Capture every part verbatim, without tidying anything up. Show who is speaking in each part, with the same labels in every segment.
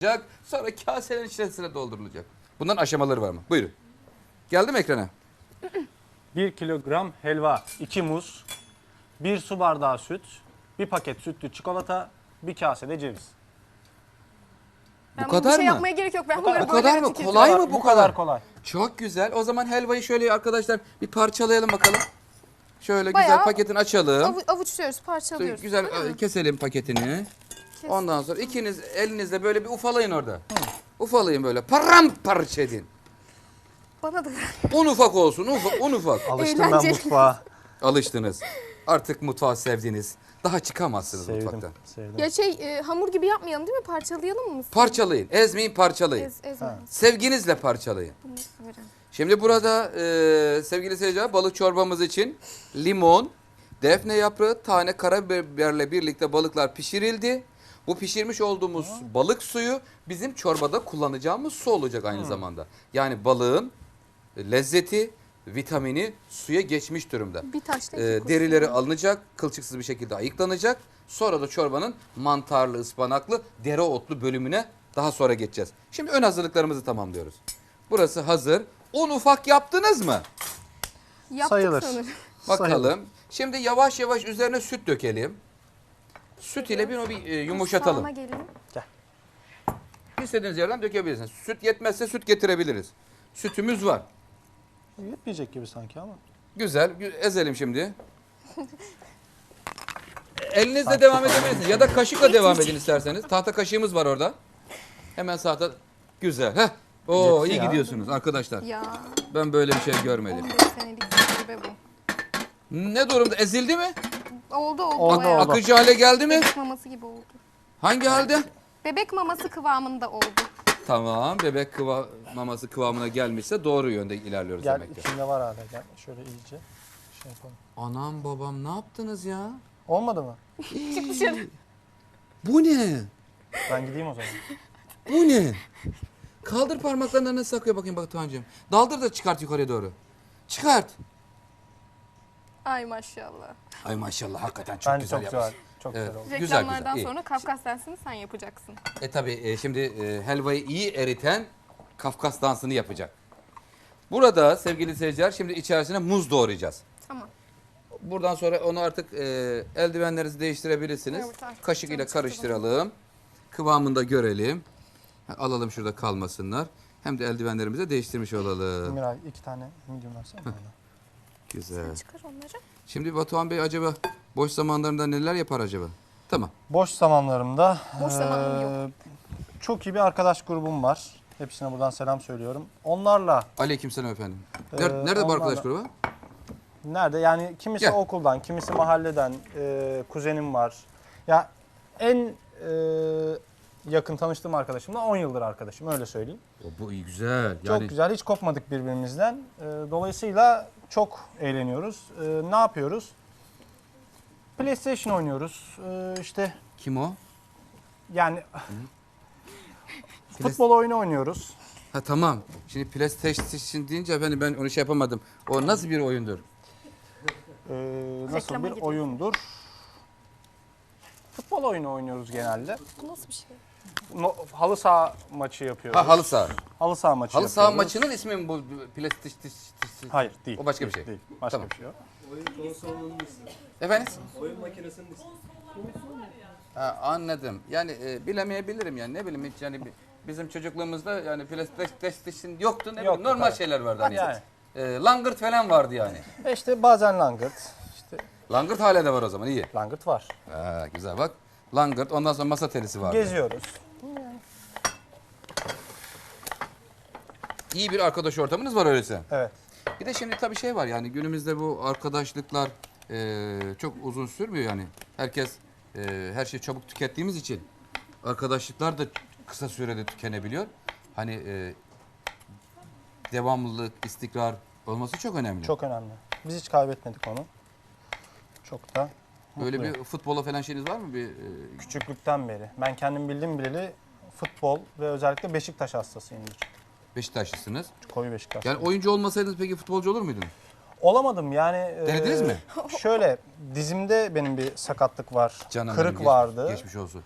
Speaker 1: Sonra kaselerin içerisine doldurulacak. Bunların aşamaları var mı? Buyurun. Geldi mi ekrana?
Speaker 2: bir kilogram helva, iki muz, bir su bardağı süt, bir paket sütlü çikolata, bir kase de ceviz.
Speaker 3: Ben
Speaker 1: Bu
Speaker 3: bunu
Speaker 1: kadar
Speaker 3: bir şey
Speaker 1: mı?
Speaker 3: yapmaya gerek yok. Ben
Speaker 2: Bu
Speaker 3: bunları
Speaker 2: kadar.
Speaker 1: Bu
Speaker 3: böyle
Speaker 1: kadar mı?
Speaker 3: tüketiyorum.
Speaker 1: Kolay mı bu,
Speaker 2: Bu
Speaker 1: kadar?
Speaker 2: kadar kolay.
Speaker 1: Çok güzel. O zaman helvayı şöyle arkadaşlar bir parçalayalım bakalım. Şöyle
Speaker 3: Bayağı
Speaker 1: güzel paketini açalım.
Speaker 3: Avu- avuçluyoruz, parçalıyoruz.
Speaker 1: Güzel
Speaker 3: Öyle mi?
Speaker 1: e, keselim paketini. Ondan sonra ikiniz elinizle böyle bir ufalayın orada. Ufalayın böyle. Paramparça edin.
Speaker 3: Bana da
Speaker 1: Un ufak olsun. Ufak, un ufak.
Speaker 2: Alıştım ben
Speaker 3: Eğlenceli.
Speaker 2: mutfağa.
Speaker 1: Alıştınız. Artık mutfağı sevdiniz. Daha çıkamazsınız
Speaker 2: Sevdim,
Speaker 1: mutfaktan.
Speaker 2: sevdim.
Speaker 3: Ya şey e, hamur gibi yapmayalım değil mi? Parçalayalım mı?
Speaker 1: Parçalayın. Ezmeyin, parçalayın.
Speaker 3: Ez, ezme.
Speaker 1: Sevginizle parçalayın.
Speaker 3: Bunu severim.
Speaker 1: Şimdi burada e, sevgili seyirciler balık çorbamız için limon, defne yaprağı, tane karabiberle birlikte balıklar pişirildi. Bu pişirmiş olduğumuz balık suyu bizim çorbada kullanacağımız su olacak aynı zamanda. Yani balığın lezzeti, vitamini suya geçmiş durumda.
Speaker 3: Bir taşla iki
Speaker 1: E,
Speaker 3: kuş.
Speaker 1: derileri alınacak, kılçıksız bir şekilde ayıklanacak. Sonra da çorbanın mantarlı, ıspanaklı, dereotlu bölümüne daha sonra geçeceğiz. Şimdi ön hazırlıklarımızı tamamlıyoruz. Burası hazır. Un ufak yaptınız mı?
Speaker 3: Yaptık
Speaker 2: Sayılır.
Speaker 3: sanırım.
Speaker 1: Bakalım.
Speaker 2: Sayılır.
Speaker 1: Şimdi yavaş yavaş üzerine süt dökelim. Süt ile bir, bir e, yumuşatalım.
Speaker 3: Mutfağıma geleyim.
Speaker 1: İstediğiniz yerden dökebilirsiniz. Süt yetmezse süt getirebiliriz. Sütümüz var.
Speaker 2: Yetmeyecek gibi sanki ama.
Speaker 1: Güzel. gü- Ezelim şimdi. Elinizle devam edebilirsiniz. Ya da kaşıkla devam edin isterseniz. Tahta kaşığımız var orada. Hemen sahte. Güzel. Heh. Oo,
Speaker 2: Yetti
Speaker 1: iyi
Speaker 2: ya.
Speaker 1: gidiyorsunuz arkadaşlar.
Speaker 3: Ya
Speaker 1: Ben böyle bir şey görmedim.
Speaker 3: on beş senelik tecrübe bu.
Speaker 1: Ne durumda? Ezildi mi?
Speaker 3: Oldu oldu.
Speaker 2: Oldu,
Speaker 3: bayağı.
Speaker 2: oldu.
Speaker 1: Akıcı hale geldi mi?
Speaker 3: Bebek maması gibi oldu.
Speaker 1: Hangi halde?
Speaker 3: Bebek maması kıvamında oldu.
Speaker 1: Tamam. Bebek kıva maması kıvamına gelmişse doğru yönde ilerliyoruz
Speaker 2: Gel
Speaker 1: demek ki.
Speaker 2: içinde var hala gel. Şöyle iyice şey yapalım.
Speaker 1: Anam babam ne yaptınız ya?
Speaker 2: Olmadı mı?
Speaker 3: Çık dışarı.
Speaker 1: Bu ne?
Speaker 2: Ben gideyim o zaman.
Speaker 1: Bu ne? Kaldır parmaklarını nasıl sakıyor bakayım Batuhan'cığım. Daldır da çıkart yukarıya doğru. Çıkart.
Speaker 3: Ay maşallah.
Speaker 1: Ay maşallah hakikaten çok
Speaker 2: Bence
Speaker 1: güzel
Speaker 2: çok
Speaker 1: yapmış.
Speaker 2: güzel. Çok
Speaker 1: Evet.
Speaker 2: güzel oldu.
Speaker 1: Güzel,
Speaker 3: Reklamlardan
Speaker 1: güzel, iyi.
Speaker 3: sonra Kafkas dansını sen yapacaksın.
Speaker 1: E tabi şimdi e, helvayı iyi eriten Kafkas dansını yapacak. Burada sevgili seyirciler şimdi içerisine muz doğrayacağız.
Speaker 3: Tamam.
Speaker 1: Buradan sonra onu artık e, eldivenlerinizi değiştirebilirsiniz.
Speaker 3: Evet, artık
Speaker 1: Kaşık ile
Speaker 3: canım çıktı
Speaker 1: karıştıralım. Kıvamını da görelim. Ha, alalım şurada kalmasınlar. Hem de eldivenlerimizi de değiştirmiş olalım.
Speaker 2: Miray iki tane medium versene bana.
Speaker 1: Güzel.
Speaker 3: Çıkar onları.
Speaker 1: Şimdi Batuhan Bey acaba boş zamanlarında neler yapar acaba? Tamam.
Speaker 2: Boş zamanlarımda
Speaker 3: Boş zamanım yok.
Speaker 2: eee, çok iyi bir arkadaş grubum var. Hepsine buradan selam söylüyorum. Onlarla
Speaker 1: Aleykümselam efendim. Nerede,
Speaker 2: Ee,
Speaker 1: nerede bu
Speaker 2: onlarla-
Speaker 1: arkadaş grubu?
Speaker 2: nerede? Yani kimisi
Speaker 1: Gel.
Speaker 2: okuldan, kimisi mahalleden, eee, kuzenim var. Ya en eee, yakın tanıştığım arkadaşımla on yıldır arkadaşım öyle söyleyeyim.
Speaker 1: O, bu iyi güzel.
Speaker 2: Çok
Speaker 1: Yani
Speaker 2: güzel, hiç kopmadık birbirimizden. Eee, dolayısıyla çok eğleniyoruz. Eee, ne yapıyoruz? PlayStation oynuyoruz. Eee işte
Speaker 1: kim o?
Speaker 2: yani
Speaker 1: Plas-
Speaker 2: futbol oyunu oynuyoruz.
Speaker 1: Ha tamam. Şimdi PlayStation deyince efendim ben onu şey yapamadım. O nasıl bir oyundur?
Speaker 2: Eee, nasıl
Speaker 3: Reklama
Speaker 2: bir
Speaker 3: gidiyor.
Speaker 2: oyundur? Futbol oyunu oynuyoruz genelde.
Speaker 3: Bu nasıl bir şey?
Speaker 2: No, halı saha maçı yapıyoruz.
Speaker 1: Ha halı saha.
Speaker 2: Halı saha maçı
Speaker 1: Halı saha
Speaker 2: yapıyoruz.
Speaker 1: maçının ismi mi bu PlayStation?
Speaker 2: Hayır değil.
Speaker 1: O başka bir
Speaker 2: Değil,
Speaker 1: şey.
Speaker 2: Değil. Başka
Speaker 1: Tamam.
Speaker 2: bir şey yok.
Speaker 1: Efendim? Ha, anladım. Yani e, bilemeyebilirim yani ne bileyim hiç yani bi- bizim çocukluğumuzda yani PlayStation yoktu ne
Speaker 2: Yoktu,
Speaker 1: bileyim normal
Speaker 2: tabii.
Speaker 1: şeyler vardı hani.
Speaker 2: Yani.
Speaker 1: E, langırt falan vardı yani.
Speaker 2: E işte bazen langırt. İşte
Speaker 1: Langırt hala da var o zaman iyi.
Speaker 2: langırt var.
Speaker 1: Ha, güzel bak. Langırt ondan sonra masa tenisi vardı.
Speaker 2: Geziyoruz.
Speaker 1: İyi bir arkadaş ortamınız var öyleyse.
Speaker 2: Evet.
Speaker 1: Bir de şimdi tabii şey var yani günümüzde bu arkadaşlıklar e, çok uzun sürmüyor yani. Herkes e, her şeyi çabuk tükettiğimiz için arkadaşlıklar da kısa sürede tükenebiliyor. Hani e, devamlılık, istikrar olması çok önemli.
Speaker 2: Çok önemli. Biz hiç kaybetmedik onu. Çok da
Speaker 1: Öyle
Speaker 2: mutluyum.
Speaker 1: bir futbola falan şeyiniz var mı? Bir e,
Speaker 2: Küçüklükten beri. Ben kendim bildim bileli futbol ve özellikle Beşiktaş hastasıyımdır.
Speaker 1: Beşiktaşlısınız.
Speaker 2: Koyu Beşiktaş.
Speaker 1: Yani oyuncu olmasaydınız peki futbolcu olur muydunuz?
Speaker 2: Olamadım yani. e,
Speaker 1: Denediniz mi?
Speaker 2: Şöyle dizimde benim bir sakatlık var.
Speaker 1: Canım benim,
Speaker 2: Kırık
Speaker 1: geç-
Speaker 2: vardı.
Speaker 1: Geçmiş olsun.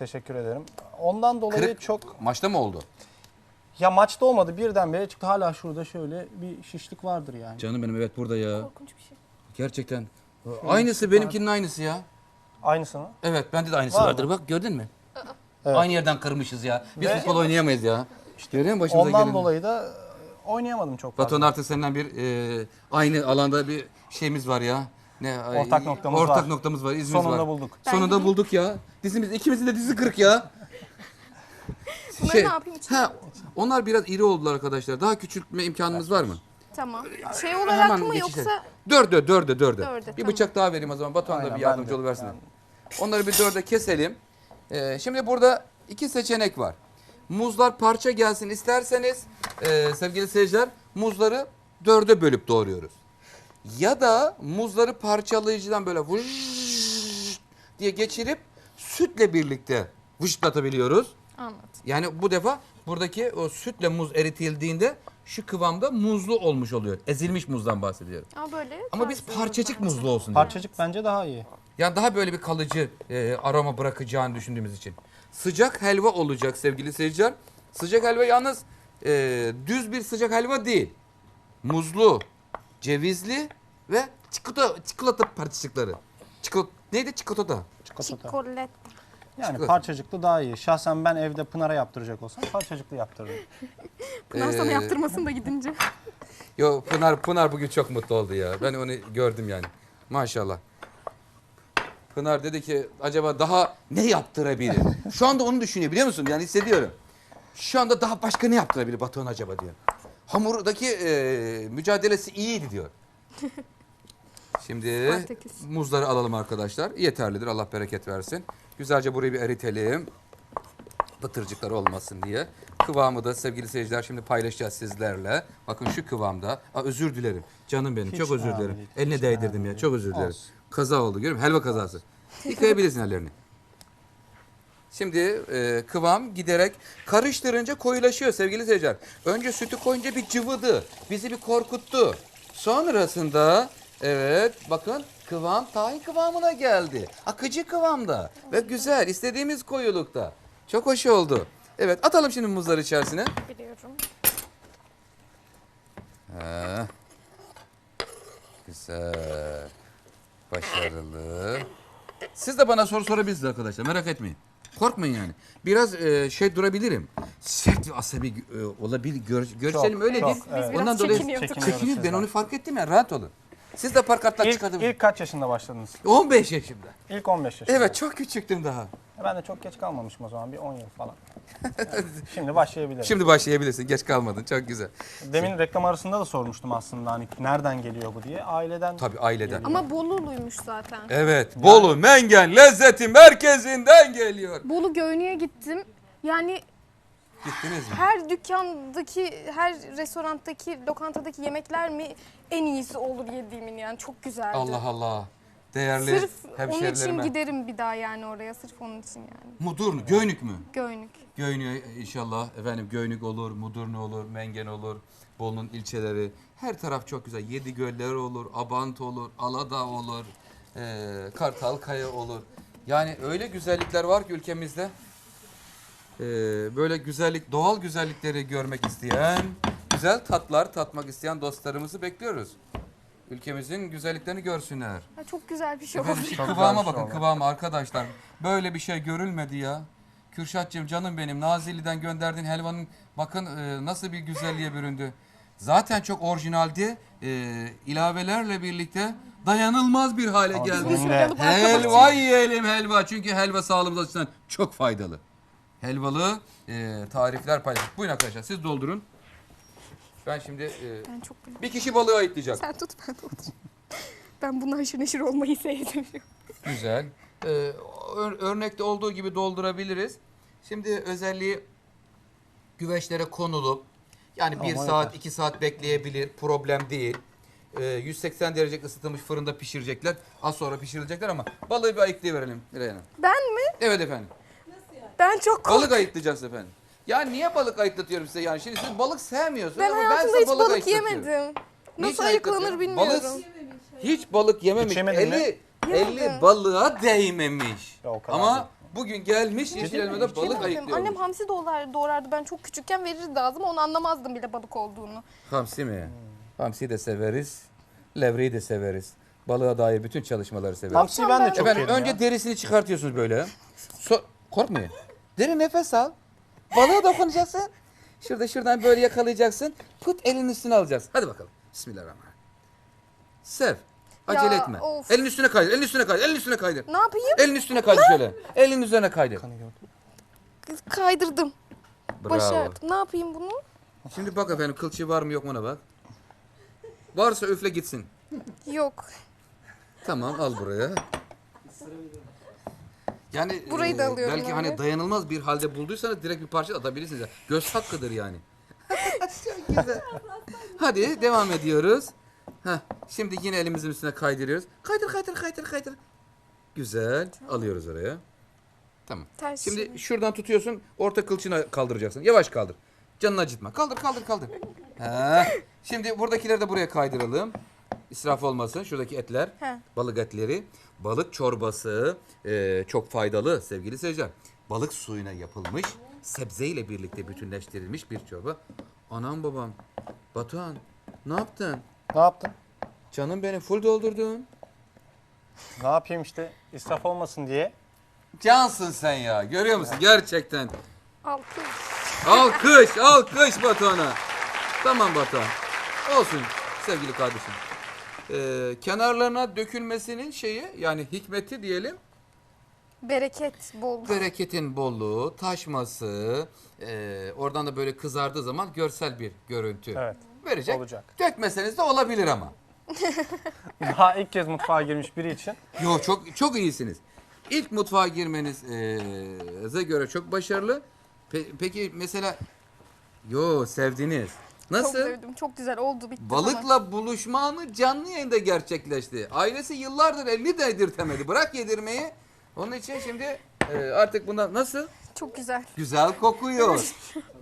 Speaker 2: Teşekkür ederim. Ondan dolayı
Speaker 1: Kırık
Speaker 2: çok
Speaker 1: maçta mı oldu?
Speaker 2: ya maçta olmadı birdenbire çıktı. Hala şurada şöyle bir şişlik vardır yani.
Speaker 1: Canım benim evet burada ya.
Speaker 3: Korkunç bir şey.
Speaker 1: Gerçekten. Aynısı benimkinin aynısı ya.
Speaker 2: Aynısı mı?
Speaker 1: Evet bende de aynısı
Speaker 2: Var
Speaker 1: vardır
Speaker 2: mı?
Speaker 1: bak gördün mü?
Speaker 2: Evet.
Speaker 1: Aynı yerden kırmışız ya. Biz
Speaker 2: Ve-
Speaker 1: futbol oynayamayız ya. İşte görüyor musun başımıza
Speaker 2: Ondan
Speaker 1: geleni?
Speaker 2: dolayı da e, oynayamadım çok fazla.
Speaker 1: Batuhan artık senden bir e, aynı alanda bir şeyimiz var ya. Ne
Speaker 2: Ortak noktamız
Speaker 1: ortak
Speaker 2: var.
Speaker 1: noktamız var, izimiz
Speaker 2: Sonunda
Speaker 1: var.
Speaker 2: bulduk.
Speaker 3: Ben
Speaker 1: Sonunda
Speaker 3: gideyim.
Speaker 1: bulduk ya. Dizimiz ikimizin de dizi kırık ya.
Speaker 3: Bunları
Speaker 1: Şey,
Speaker 3: ne yapayım içine?
Speaker 1: ha, onlar biraz iri oldular arkadaşlar. Daha küçültme imkanımız var mı?
Speaker 3: Tamam. Şey olarak mı
Speaker 1: geçiş-
Speaker 3: yoksa
Speaker 1: Dörde, dörde, dörde.
Speaker 3: Dörde,
Speaker 1: Bir
Speaker 3: tamam.
Speaker 1: bıçak daha vereyim o zaman. Batuhan da
Speaker 2: Aynen,
Speaker 1: bir
Speaker 2: ben
Speaker 1: yardımcı
Speaker 2: de.
Speaker 1: oluversin.
Speaker 2: Yani.
Speaker 1: Onları bir dörde keselim. Ee, şimdi burada iki seçenek var. Muzlar parça gelsin isterseniz e, sevgili seyirciler muzları dörde bölüp doğruyoruz. Ya da muzları parçalayıcıdan böyle vış diye geçirip sütle birlikte vışlatabiliyoruz.
Speaker 3: anlat.
Speaker 1: Yani bu defa buradaki o sütle muz eritildiğinde şu kıvamda muzlu olmuş oluyor. Ezilmiş muzdan bahsediyorum.
Speaker 3: Ama böyle.
Speaker 1: Ama biz
Speaker 3: tarzı
Speaker 1: parçacık
Speaker 3: bence.
Speaker 1: muzlu olsun diyoruz.
Speaker 2: Parçacık bence daha iyi.
Speaker 1: Yani daha böyle bir kalıcı e, aroma bırakacağını düşündüğümüz için. Sıcak helva olacak sevgili seyirciler. Sıcak helva yalnız e, düz bir sıcak helva değil. Muzlu, cevizli ve çikolata, çikolata parçacıkları. Çikolata, neydi çikolata?
Speaker 2: Çikolata.
Speaker 3: Çikolat.
Speaker 2: Yani
Speaker 1: Çikolata.
Speaker 2: parçacıklı daha iyi. Şahsen ben evde Pınar'a yaptıracak olsam parçacıklı yaptırırım.
Speaker 3: Pınar sana
Speaker 1: Ee,
Speaker 3: yaptırmasın da gidince.
Speaker 1: Yo Pınar Pınar bugün çok mutlu oldu ya. Ben onu gördüm yani. Maşallah. Pınar dedi ki acaba daha ne yaptırabilir? Şu anda onu düşünüyor biliyor musun? Yani hissediyorum. Şu anda daha başka ne yaptırabilir Batuhan acaba diyor. Hamurdaki e, mücadelesi iyiydi diyor. Şimdi
Speaker 3: Spartaküs.
Speaker 1: muzları alalım arkadaşlar. Yeterlidir Allah bereket versin. Güzelce burayı bir eritelim. Pıtırcıklar olmasın diye. Kıvamı da sevgili seyirciler şimdi paylaşacağız sizlerle. Bakın şu kıvamda. Aa, özür dilerim. Canım benim
Speaker 2: Hiç
Speaker 1: çok özür
Speaker 2: önemli
Speaker 1: dilerim.
Speaker 2: değil,
Speaker 1: Eline
Speaker 2: hiç
Speaker 1: değdirdim
Speaker 2: önemli
Speaker 1: ya.
Speaker 2: değil.
Speaker 1: Çok özür dilerim.
Speaker 2: Olsun.
Speaker 1: Kaza oldu görüyor musun? Helva kazası. Yıkayabilirsin ellerini. Şimdi e, kıvam giderek karıştırınca koyulaşıyor sevgili seyirciler. Önce sütü koyunca bir cıvıdı. Bizi bir korkuttu. Sonrasında evet bakın kıvam tahin kıvamına geldi. Akıcı kıvamda ve güzel istediğimiz koyulukta. Çok hoş oldu. Evet atalım şimdi muzları içerisine.
Speaker 3: Biliyorum.
Speaker 1: Ha. Güzel. Başarılı. Siz de bana soru sorabilirsiniz arkadaşlar. Merak etmeyin. Korkmayın yani. Biraz e, şey durabilirim. Sert ve asabi e, olabilir. Gör, görselim
Speaker 2: Çok,
Speaker 1: öyle
Speaker 2: çok,
Speaker 1: değil.
Speaker 2: evet.
Speaker 3: Biz biraz çekiniyorduk.
Speaker 2: Çekiniyoruz
Speaker 1: Çekinir. Ben
Speaker 2: sizden.
Speaker 1: onu fark ettim ya. Rahat olun. Siz de parkatlar
Speaker 2: İlk,
Speaker 1: çıkardım.
Speaker 2: ilk kaç yaşında başladınız?
Speaker 1: on beş yaşımda.
Speaker 2: İlk on beş yaşında.
Speaker 1: Evet çok küçüktüm daha.
Speaker 2: Ben de çok geç kalmamışım o zaman. Bir on yıl falan. Yani şimdi başlayabilirim.
Speaker 1: Şimdi başlayabilirsin. Geç kalmadın. Çok güzel.
Speaker 2: Demin reklam arasında da sormuştum aslında hani nereden geliyor bu diye. Aileden.
Speaker 1: Tabii aileden.
Speaker 3: Ama Bolulu'ymuş zaten.
Speaker 1: Evet. Bolu Mengen lezzeti merkezinden geliyor.
Speaker 3: Bolu Göynü'ye gittim. Yani
Speaker 1: Gittiniz mi?
Speaker 3: her dükkandaki, her restorandaki, lokantadaki yemekler mi en iyisi olur yediğimin yani. Çok güzeldi.
Speaker 1: Allah Allah. Değerli
Speaker 3: Sırf onun için
Speaker 1: hemşerilerime.
Speaker 3: giderim bir daha yani oraya. Sırf onun için yani.
Speaker 1: Mudurnu, Göynük mü?
Speaker 3: Göynük.
Speaker 1: Göynük inşallah efendim Göynük olur, Mudurnu olur, Mengen olur, Bolu'nun ilçeleri. Her taraf çok güzel. Yedigöller olur, Abant olur, Aladağ olur, eee Kartalkaya olur. Yani öyle güzellikler var ki ülkemizde. Eee, böyle güzellik, doğal güzellikleri görmek isteyen, güzel tatlar tatmak isteyen dostlarımızı bekliyoruz. Ülkemizin güzelliklerini görsünler.
Speaker 3: Ya çok güzel bir şey oldu.
Speaker 1: Efendim şu
Speaker 2: Çok
Speaker 1: kıvama
Speaker 2: güzel bir şey
Speaker 1: bakın
Speaker 2: oldu.
Speaker 1: kıvama arkadaşlar. Böyle bir şey görülmedi ya. Kürşatcığım canım benim Nazilli'den gönderdiğin helvanın bakın e, nasıl bir güzelliğe büründü. Zaten çok orijinaldi. E, ilavelerle birlikte dayanılmaz bir hale
Speaker 2: Ama
Speaker 1: geldi.
Speaker 2: bizim de-
Speaker 1: Helva yiyelim helva. Çünkü helva sağlığımız açısından çok faydalı. Helvalı e, tarifler paylaştık. Buyurun arkadaşlar siz doldurun. Ben şimdi e,
Speaker 3: Ben çok beğendim.
Speaker 1: bir kişi balığı ayıklayacak.
Speaker 3: Sen tut ben de oturayım. Ben bundan haşır neşir olmayı sevdim.
Speaker 1: Güzel. Ee, ör- örnekte olduğu gibi doldurabiliriz. Şimdi özelliği güveçlere konulup yani bir
Speaker 2: Tamam,
Speaker 1: saat
Speaker 2: yeter.
Speaker 1: iki saat bekleyebilir. Problem değil. Ee, yüz seksen derece ısıtılmış fırında pişirecekler. Az sonra pişirilecekler ama balığı bir ayıklayıverelim Miray Hanım.
Speaker 3: Ben mi?
Speaker 1: Evet efendim.
Speaker 3: Ben çok korktum.
Speaker 1: Balık ayıklayacağız efendim. Ya niye balık ayıklatıyorum size yani? Şimdi siz balık sevmiyorsunuz
Speaker 3: Ben
Speaker 1: ama ben
Speaker 3: hayatımda
Speaker 1: size
Speaker 3: hiç
Speaker 1: balık,
Speaker 3: balık
Speaker 1: ayıklatıyorum.
Speaker 3: yemedim.
Speaker 1: Niçin
Speaker 3: Nasıl ayıklanır
Speaker 1: ayıklatıyorsun?
Speaker 3: bilmiyorum.
Speaker 1: Balık hiç balık yememiş.
Speaker 2: Hiç yemedin mi?
Speaker 1: eli,
Speaker 3: Yemedim.
Speaker 1: eli balığa değmemiş.
Speaker 2: Ya o kadar
Speaker 1: Ama
Speaker 2: değil.
Speaker 1: bugün gelmiş yeşil
Speaker 2: mi?
Speaker 1: elmada
Speaker 2: Hiç
Speaker 1: balık
Speaker 3: Yemedim.
Speaker 1: ayıklıyormuş.
Speaker 3: Annem hamsi doğrar, doğrardı. Ben çok küçükken verirdi ağzıma. Onu anlamazdım bile balık olduğunu.
Speaker 1: Hamsi mi? Hamsiyi de severiz. Levreyi de severiz. Balığa dair bütün çalışmaları severiz.
Speaker 2: Hamsiyi ben de çok
Speaker 1: Efendim
Speaker 2: yerim
Speaker 1: önce
Speaker 2: ya.
Speaker 1: derisini çıkartıyorsunuz böyle. So Korkmuyor. Derin nefes al. Balığa dokunacaksın. Şurada şuradan böyle yakalayacaksın. Put elinin üstüne alacaksın. Hadi bakalım. Bismillahirrahmanirrahim. Sev. Acele
Speaker 3: Ya,
Speaker 1: etme.
Speaker 3: of.
Speaker 1: Elin üstüne kaydır. Elin üstüne kaydır. Elin üstüne kaydır.
Speaker 3: Ne yapayım?
Speaker 1: Elin üstüne kaydır şöyle. Elin üzerine kaydır.
Speaker 3: Kaydırdım.
Speaker 1: Bravo.
Speaker 3: Başardım. Ne yapayım bunu?
Speaker 1: Şimdi bak efendim kılçığı var mı yok mu ona bak. Varsa üfle gitsin.
Speaker 3: Yok.
Speaker 1: Tamam al buraya. Yani
Speaker 3: Burayı da alıyorum
Speaker 1: belki
Speaker 3: öyle.
Speaker 1: hani dayanılmaz bir halde bulduysanız direkt bir parça atabilirsiniz. Göz hakkıdır yani. Çok güzel. Hadi devam ediyoruz. Heh, şimdi yine elimizin üstüne kaydırıyoruz. Kaydır kaydır kaydır kaydır. Güzel. Alıyoruz oraya. Tamam.
Speaker 3: Ters
Speaker 1: Şimdi
Speaker 3: çevir.
Speaker 1: şuradan tutuyorsun. Orta kılçığını kaldıracaksın. Yavaş kaldır. Canını acıtma. Kaldır kaldır kaldır. Ha. Şimdi buradakileri de buraya kaydıralım. İsraf olmasın. Şuradaki etler.
Speaker 3: He.
Speaker 1: Balık etleri. Balık çorbası. e, çok faydalı sevgili seyirciler. Balık suyuna yapılmış. Sebzeyle birlikte bütünleştirilmiş bir çorba. Anam babam. Batuhan. Ne yaptın?
Speaker 2: Ne yaptın?
Speaker 1: Canım benim full doldurdun.
Speaker 2: Ne yapayım işte israf olmasın diye.
Speaker 1: Cansın sen ya. Görüyor musun? Gerçekten.
Speaker 3: Alkış.
Speaker 1: Alkış, alkış Batuhan'a. Tamam Batuhan. Olsun sevgili kardeşim. Ee, kenarlarına dökülmesinin şeyi yani hikmeti diyelim.
Speaker 3: Bereket bol.
Speaker 1: Bereketin bolluğu, taşması, e, oradan da böyle kızardığı zaman görsel bir görüntü
Speaker 2: Evet.
Speaker 1: verecek.
Speaker 2: Olacak.
Speaker 1: Dökmeseniz de olabilir ama.
Speaker 2: Daha ilk kez mutfağa girmiş biri için.
Speaker 1: Yo çok çok iyisiniz. İlk mutfağa girmenize göre çok başarılı. Pe- peki mesela yo sevdiniz.
Speaker 3: Çok
Speaker 1: Nasıl?
Speaker 3: sevdim. Çok güzel oldu bitti.
Speaker 1: Balıkla buluşma anı canlı yayında gerçekleşti. Ailesi yıllardır elini de yedirtemedi. Bırak yedirmeyi. Onun için şimdi e, artık bundan nasıl?
Speaker 3: Çok güzel.
Speaker 1: Güzel kokuyor.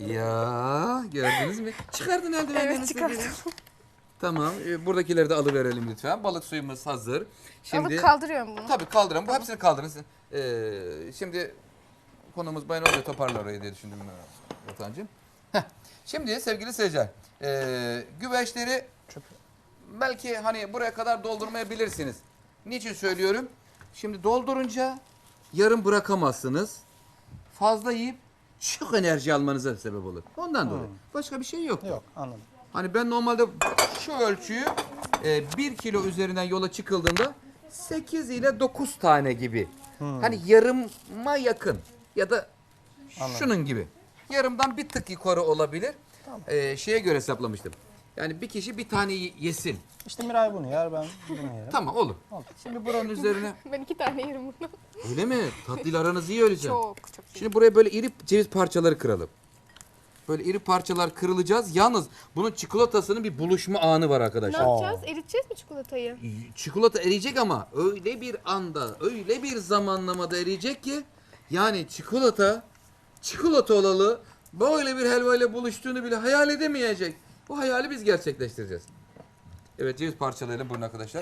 Speaker 1: Ya gördünüz mü? Çıkardın eldivenlerini.
Speaker 3: Evet çıkarttım.
Speaker 1: sevgili. Tamam. e, buradakileri de alıverelim lütfen. Balık suyumuz hazır. Şimdi
Speaker 3: Alıp kaldırıyorum bunu.
Speaker 1: tabii kaldırın. Bu hepsini kaldırın. Ee, şimdi konumuz bayan olunca toparlar orayı diye düşündüm Vatancığım. Heh. Şimdi sevgili seyirciler, e, güveçleri belki hani buraya kadar doldurmayabilirsiniz. Niçin söylüyorum? Şimdi doldurunca yarım bırakamazsınız. Fazla yiyip çok enerji almanıza sebep olur. Ondan dolayı. Başka bir şey yok.
Speaker 2: Yok anladım.
Speaker 1: Hani ben normalde şu ölçüyü e, bir kilo üzerinden yola çıkıldığında sekiz ile dokuz tane gibi. Hani yarıma yakın ya da şunun gibi. Yarımdan bir tık yukarı olabilir. E, şeye göre hesaplamıştım. Yani bir kişi bir tane y- yesin.
Speaker 2: İşte Miray bunu yer, ben bunu yerim.
Speaker 1: Tamam olur.
Speaker 2: Olur.
Speaker 1: Şimdi buranın üzerine
Speaker 3: Ben iki tane yerim bunu.
Speaker 1: öyle mi? Tatlıyla aranız iyi öylece.
Speaker 3: Çok çok iyi.
Speaker 1: Şimdi buraya böyle iri ceviz parçaları kıralım. Böyle iri parçalar kırılacağız. Yalnız bunun çikolatasının bir buluşma anı var
Speaker 3: Ne
Speaker 1: arkadaşlar.
Speaker 3: yapacağız? Eriteceğiz mi çikolatayı?
Speaker 1: Çikolata eriyecek ama öyle bir anda, öyle bir zamanlamada eriyecek ki yani çikolata, çikolata olalı böyle bir helva ile buluştuğunu bile hayal edemeyecek. Bu hayali biz gerçekleştireceğiz. Evet ceviz parçalayalım buyurun arkadaşlar.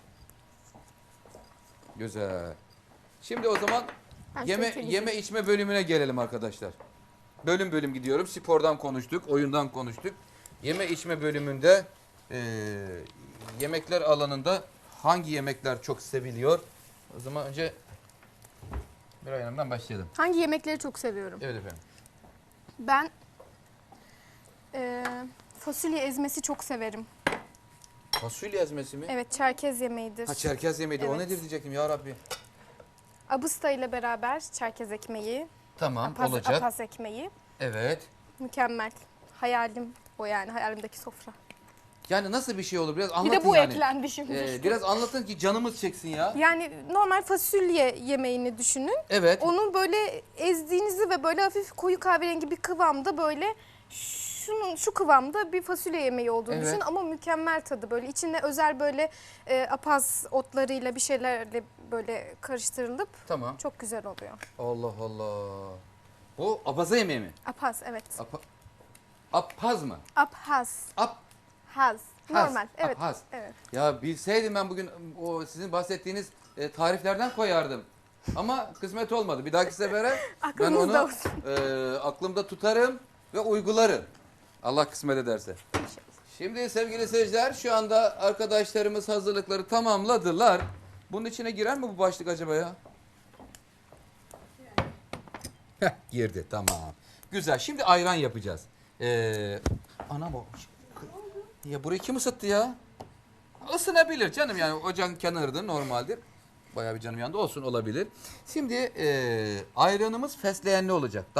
Speaker 1: Güzel. Şimdi o zaman
Speaker 3: Ben
Speaker 1: yeme
Speaker 3: çok temizim.
Speaker 1: yeme içme bölümüne gelelim arkadaşlar. Bölüm bölüm gidiyorum. Spordan konuştuk, oyundan konuştuk. Yeme içme bölümünde eee, yemekler alanında hangi yemekler çok seviliyor? O zaman önce Miray Hanım'dan başlayalım.
Speaker 3: Hangi yemekleri çok seviyorum?
Speaker 1: Evet efendim.
Speaker 3: Ben eee, fasulye ezmesi çok severim.
Speaker 1: Fasulye ezmesi mi?
Speaker 3: Evet, Çerkez yemeğidir.
Speaker 1: Ha Çerkez yemeği de o
Speaker 3: Evet.
Speaker 1: nedir diyecektim ya Rabbi.
Speaker 3: Abısta ile beraber Çerkez ekmeği,
Speaker 1: Tamam
Speaker 3: apaz,
Speaker 1: olacak.
Speaker 3: apaz ekmeği.
Speaker 1: Evet.
Speaker 3: Mükemmel. Hayalim o yani, hayalimdeki sofra.
Speaker 1: Yani nasıl bir şey olur biraz
Speaker 3: Bir
Speaker 1: anlatın
Speaker 3: de bu
Speaker 1: yani.
Speaker 3: eklendi şimdi.
Speaker 1: Ee,
Speaker 3: işte.
Speaker 1: biraz anlatın ki canımız çeksin ya.
Speaker 3: Yani normal fasulye yemeğini düşünün.
Speaker 1: Evet.
Speaker 3: Onu böyle ezdiğinizi ve böyle hafif koyu kahverengi bir kıvamda böyle şunun şu kıvamda bir fasulye yemeği olduğunu
Speaker 1: Evet.
Speaker 3: düşün ama mükemmel tadı böyle içinde özel böyle e, apaz otlarıyla bir şeylerle böyle karıştırılıp
Speaker 1: Tamam.
Speaker 3: çok güzel oluyor.
Speaker 1: Allah Allah. Bu abaza yemeği mi?
Speaker 3: Apaz evet.
Speaker 1: Apa, apaz mı?
Speaker 3: Apaz.
Speaker 1: Ap,
Speaker 3: Haz.
Speaker 1: Haz,
Speaker 3: Normal. Evet.
Speaker 1: apaz.
Speaker 3: Evet.
Speaker 1: Ya bilseydim ben bugün o sizin bahsettiğiniz e, tariflerden koyardım. Ama kısmet olmadı. Bir dahaki sefere ben
Speaker 3: Aklınızda
Speaker 1: onu
Speaker 3: olsun.
Speaker 1: e, aklımda tutarım ve uygularım. Allah kısmet ederse. Şimdi sevgili seyirciler şu anda arkadaşlarımız hazırlıkları tamamladılar. Bunun içine girer mi bu başlık acaba ya? Heh, girdi tamam. Güzel. Şimdi ayran yapacağız. Ee, ana bu. Ya burayı kim ısıttı ya? Isınabilir canım yani ocağın kenarıdır normaldir. Bayağı bir canım yanında olsun olabilir. Şimdi e, ayranımız fesleğenli olacak.